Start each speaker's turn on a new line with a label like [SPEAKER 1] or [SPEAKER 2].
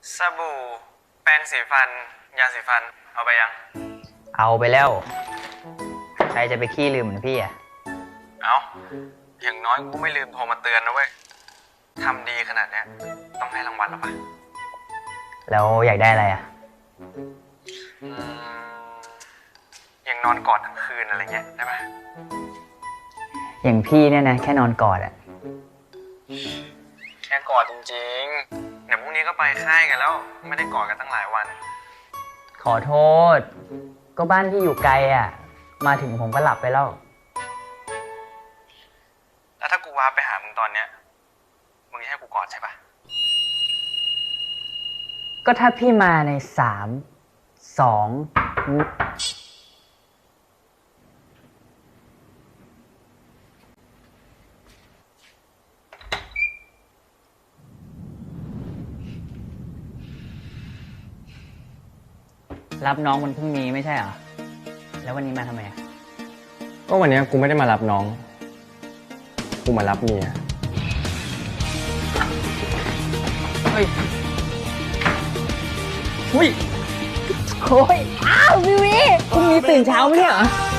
[SPEAKER 1] สบู่แปรงสีฟันยาสีฟันเอาไปยัง
[SPEAKER 2] เอาไปแล้วใครจะไปขี้ลืมเหมือนพี่อ่ะ
[SPEAKER 1] เอาอย่างน้อยกูไม่ลืมโทรมาเตือนนะเว้ยทำดีขนาดเนี้ยต้องให้รางวัลหรอปะ
[SPEAKER 2] แล้วอยากได้อะไรอ่ะ
[SPEAKER 1] อย่างนอนกอดทั้งคืนอะไรเงี้ยได้ปะ
[SPEAKER 2] อย่างพี่เนี่ยนะแค่นอนกอดอ่ะ
[SPEAKER 1] แค่กอดจริงๆเดี๋ยวพรุ่งนี้ก็ไปค่ายกันแล้วไม่ได้กอดกันตั้งหลายวัน
[SPEAKER 2] ขอโทษก็บ้านพี่อยู่ไกลอ่ะมาถึงผมก็หลับไปแล้ว
[SPEAKER 1] แล้วถ้ากูวาไปหามึงตอนเนี้ยมึงจะให้กูกอดใช่ปะ
[SPEAKER 2] ก็ถ้าพี่มาใน3 2รับน้องวันพรุ่งนี้ไม่ใช่เหรอแล้ววันนี้มาทำไมอ่ะ
[SPEAKER 1] ก็วันนี้กูไม่ได้มารับน้องกูมารับเมีย
[SPEAKER 2] เฮ้ยอุ้ยโอ้ยอ้าววิวคุณมีตื่นเช้าไหมเนี่ยเหรอ